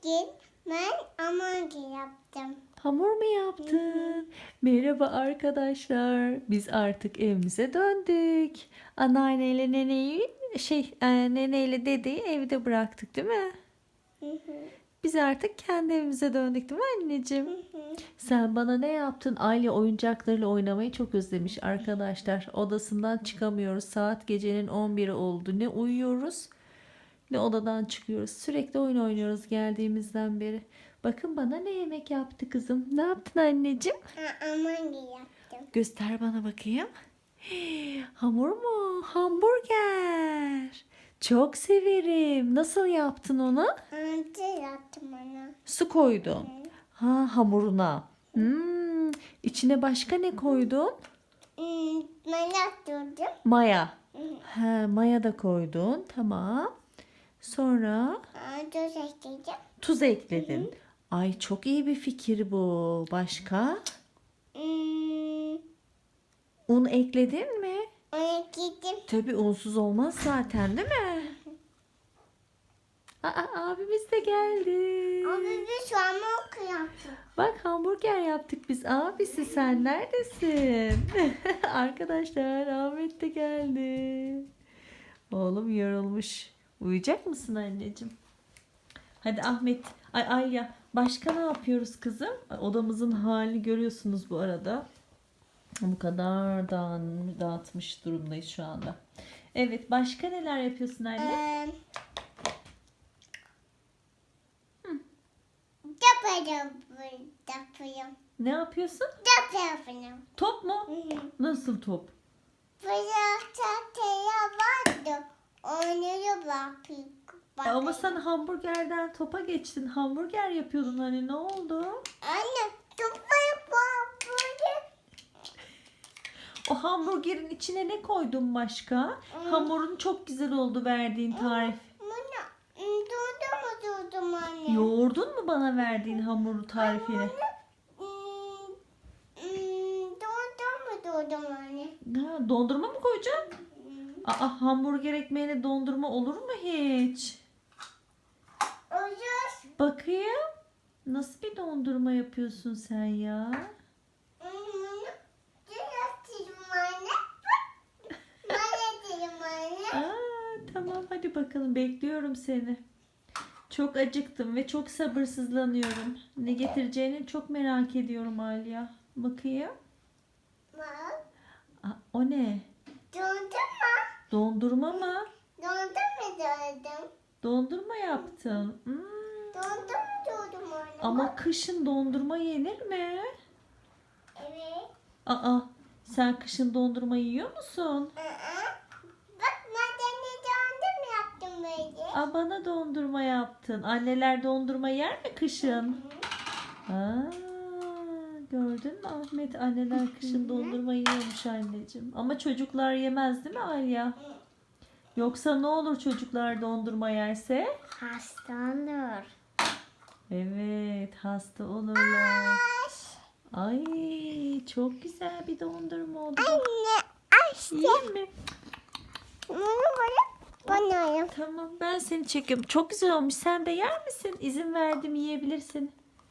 Bugün ben hamburger yaptım. Hamur mu yaptın? Merhaba arkadaşlar. Biz artık evimize döndük. Anneanneyle neneyi neneyle dedeyi evde bıraktık, değil mi? Hı hı, Biz artık kendi evimize döndük, değil mi anneciğim? hı hı. Sen bana ne yaptın? Aile oyuncaklarıyla oynamayı çok özlemiş arkadaşlar. Odasından çıkamıyoruz. Saat gecenin 11'i oldu. Ne uyuyoruz ne odadan çıkıyoruz. Sürekli oyun oynuyoruz geldiğimizden beri. Bakın bana ne yemek yaptı kızım. Ne yaptın anneciğim? Hamburger yaptım. Göster bana bakayım. Hamur mu? Hamburger. Çok severim. Nasıl yaptın onu? Hamburger yaptım ona. Su koydun. Ha, hamuruna. İçine başka ne koydun? Ben yaptırdım. Maya. Hı hı. Ha, maya da koydun. Tamam. Sonra Tuz ekledim. tuz ekledin. Ay, çok iyi bir fikir bu. Başka? Hmm, Un ekledin mi? Onu ekledim. Tabii unsuz olmaz zaten, değil mi? Aa, abimiz de geldi. Abi biz hamburger yaptık. Bak, hamburger yaptık biz. Abisi, sen neredesin? Arkadaşlar, Ahmet de geldi. Oğlum yorulmuş. Uyuyacak mısın anneciğim? Hadi Ahmet. Ay Alya. Başka ne yapıyoruz kızım? Odamızın halini görüyorsunuz bu arada. Bu kadar dağıtmış durumdayız şu anda. Evet, başka neler yapıyorsun anne? Yapıyorum. Ne yapıyorsun? Yapıyorum. Top mu? Nasıl top? Burada tahtaya vardı. Onu bakayım. Ama sen hamburgerden topa geçtin. Hamburger yapıyordun, hani ne oldu? Anne, topaya bak böyle. O hamburgerin içine ne koydun başka? Hamurun çok güzel oldu, verdiğin tarif. Bunu durdum anne. Yoğurdun mu bana verdiğin hamuru tarifini? Durdum anne. Ha, dondurma mı koyacaksın? Aa, hamburger ekmeğine dondurma olur mu hiç? Olur. Bakayım. Nasıl bir dondurma yapıyorsun sen ya? Bunu düzelteyim anne. Bana diyeyim anne. Aa, tamam, hadi bakalım, bekliyorum seni. Çok acıktım ve çok sabırsızlanıyorum. Ne getireceğini çok merak ediyorum Alya. Bakayım. Bak. Aa, o ne? Dondurma. Dondurma mı? Dondum. Dondurma yaptın. Dondum anne. Ama kışın dondurma yenir mi? Evet. Aa, sen kışın dondurma yiyor musun? Bak madeni dondum yaptım böyle. Aa, bana dondurma yaptın. Anneler dondurma yer mi kışın? Aa, gördün mü Ahmet? Anneler kışın dondurma yiyormuş anneciğim. Ama çocuklar yemez, değil mi Alya? Yoksa ne olur çocuklar dondurma yerse? Hastandır. Evet, hasta olurlar. Ay, çok güzel bir dondurma oldu. Anne açtı. Yiyeyim mi? Bana yap. Tamam, ben seni çekiyorum. Çok güzel olmuş. Sen de yer misin? İzin verdim, yiyebilirsin.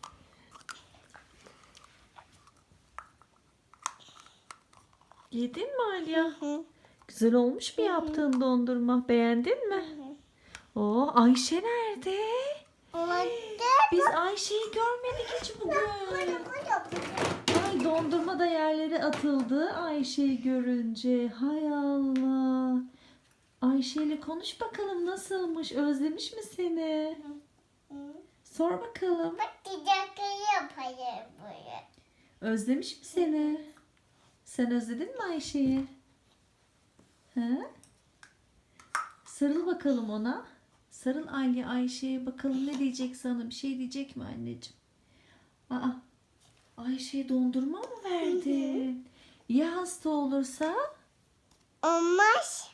Yedin mi Alya? Güzel olmuş mu yaptığın dondurma? Beğendin mi? Oo, Ayşe nerede? Orada. Biz Ayşe'yi görmedik hiç bugün. Ay, dondurma da yerlere atıldı Ayşe'yi görünce. Hay Allah. Ayşe ile konuş bakalım, nasılmış? Özlemiş mi seni? Sor bakalım. Bak didakları yapayım böyle. Özlemiş mi seni? Sen özledin mi Ayşe'yi? He? Sarıl bakalım ona. Sarıl Alya Ayşe'ye, bakalım ne diyecek sana? Bir şey diyecek mi anneciğim? Aa, Ayşe'ye dondurma mı verdin? Ya hasta olursa? Olmaz.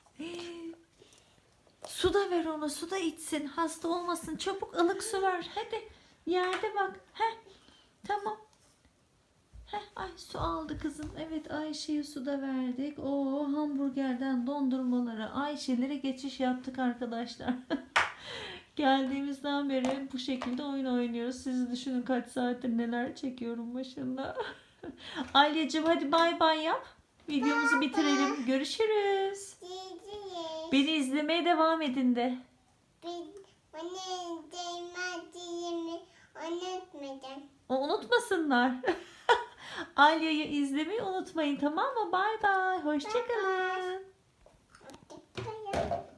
Su da ver ona, su da içsin. Hasta olmasın. Çabuk ılık su ver. Hadi, yerde bak. Heh, tamam. Heh, ay, su aldı kızım. Evet, Ayşe'ye su da verdik. O hamburgerden dondurmalara, Ayşe'lere geçiş yaptık arkadaşlar. Geldiğimizden beri bu şekilde oyun oynuyoruz. Siz düşünün kaç saattir neler çekiyorum başında. Alyacığım hadi bay bay yap. Videomuzu bitirelim. Görüşürüz. Diyeceğiz. Beni izlemeye devam edin de. Bana değmediğimi unutmadan. Unutmasınlar. Alya'yı izlemeyi unutmayın, tamam mı? Bay bay. Hoşça kalın. Hoşçakalın.